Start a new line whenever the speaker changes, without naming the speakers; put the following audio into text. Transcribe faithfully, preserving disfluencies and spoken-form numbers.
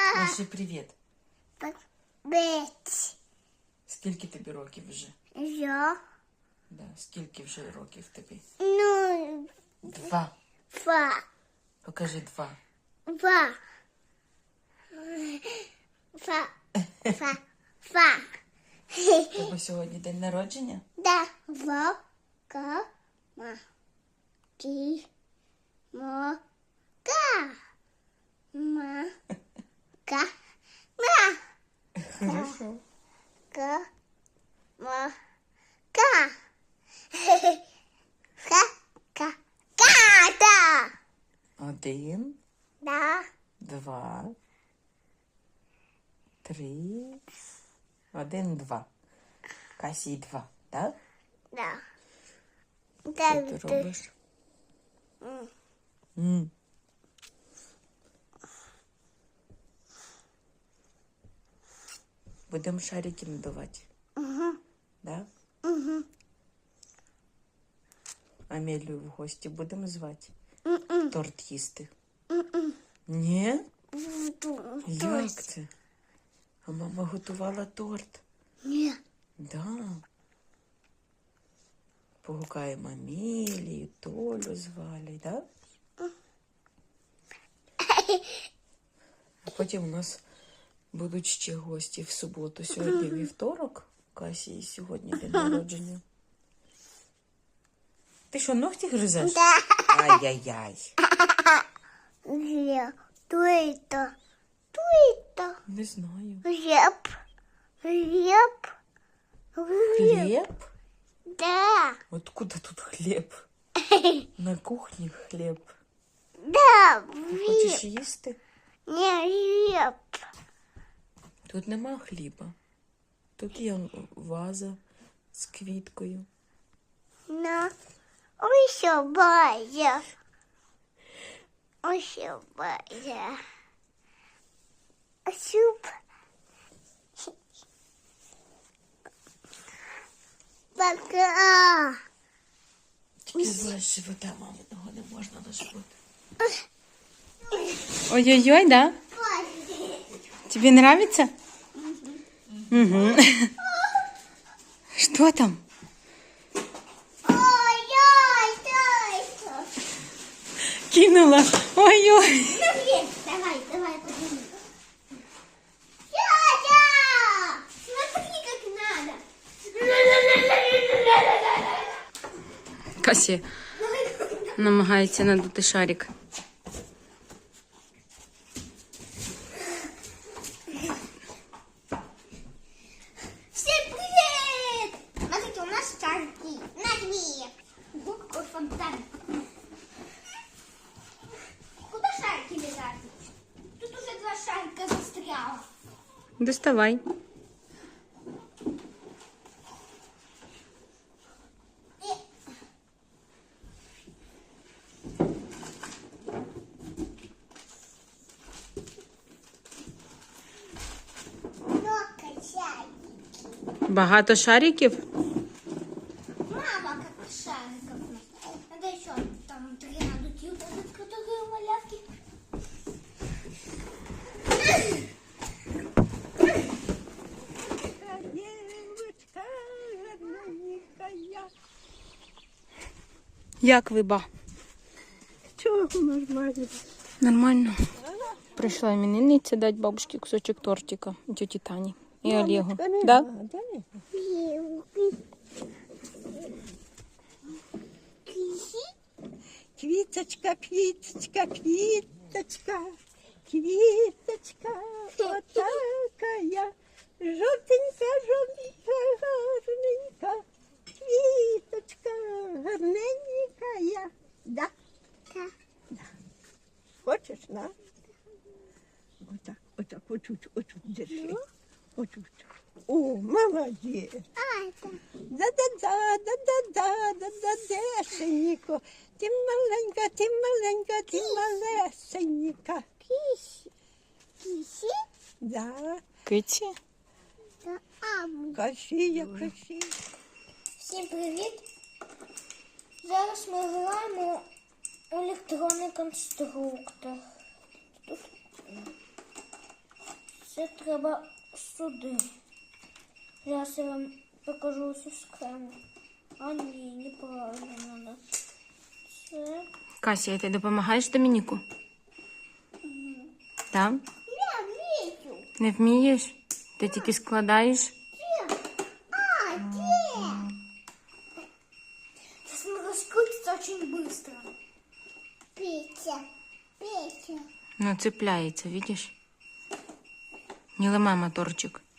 Маши, привіт.
Привіт.
Скільки тобі років вже?
Я.
Да, скільки вже років тобі?
Ну,
Два.
два.
Покажи два.
Два. Два. Два. Два.
У тебе сьогодні день народження?
Да. Два. Ка. Ма. Ки. Ма. Ка. Ма. Ка. Ма.
Хорошо.
Ка. Ма. Ка. Ка. Ка. Ка. Да.
Один,
Да.
два, три. Один, два. Касі два, так?
Да.
Що
Да.
ти робиш? М. Будемо шарики надавати.
Угу.
Да?
Угу.
Амелію в гості будемо звати?
М-м.
Торт їсти.
М-м.
Ні?
М-м.
Як це? А мама готувала торт.
Ні.
Да. Погукаємо Амелію, Толю звали, да? А потім у нас будуть ще гості в суботу. Сьогодні вівторок. Касі сьогодні день народження. Ти що, ногті гризеш?
Да.
Ай-яй-яй.
Где? Кто это? Кто это?
Не знаю.
Хлеб. Хлеб. Хлеб.
Хлеб?
Да.
Откуда тут хліб? На кухні хліб.
Да.
Хочеш
Хлеб.
їсти?
Не хлеб.
Тут нема хліба. Тут є ваза з квіткою.
На. Ой, что бая. Ой, что бая. Суп. Пока.
Тільки з живота маминого не можна на живот. Ой-ой-ой, да? Тебе нравится? Угу. Что там?
Ой-ой, ой, ой.
Кинула. Ой-ой.
Ну, блин, давай, давай, подними. Дядя! Смотри, как надо.
Касі намагається надути шарик.
Всем привет! Смотрите, у нас шарики на две. Ого, какой фонтан. Куда шарики лежат? Тут уже два шарика застряло.
Доставай.
Много шариков.
Багато шариків?
Мама, как шариков. Надо еще там три надуть, которые малявки.
Девочка, родненькая.
Як ви, ба?
Чого нормально?
Нормально. Прийшла іменинниця дати бабушці кусочок тортика. Тьоті Тані і Олегу. Да?
Квіточка, квіточка, квіточка, квіточка, отакая, жовтенька, жовтенька, гарненька, квіточка, гарненька. Да?
Да.
Да. Хочеш, на? Отак, отак, отут, отут держи. Отут. О, молодець.
А, это...
Да-да-да, да-да-да, да-да, дешенько. Ти маленька, ти маленька, ти малесенька.
Киси. Киси?
Да,
Киці?
Да, ам.
кашія, кашія.
Всім привіт! Зараз ми граємо у електронний конструктор. Тут Це треба сюди. Зараз я вам покажу цю схему. А ні, неправильно треба. Це...
Кася, ти допомагаєш Домініку? Так?
Я вмію.
Не вмієш? Ти тільки складаєш?
А, где? Сейчас мы раскрутится очень быстро. Петя, Петя.
Ну, цепляється, видиш? Не ламай моторчик.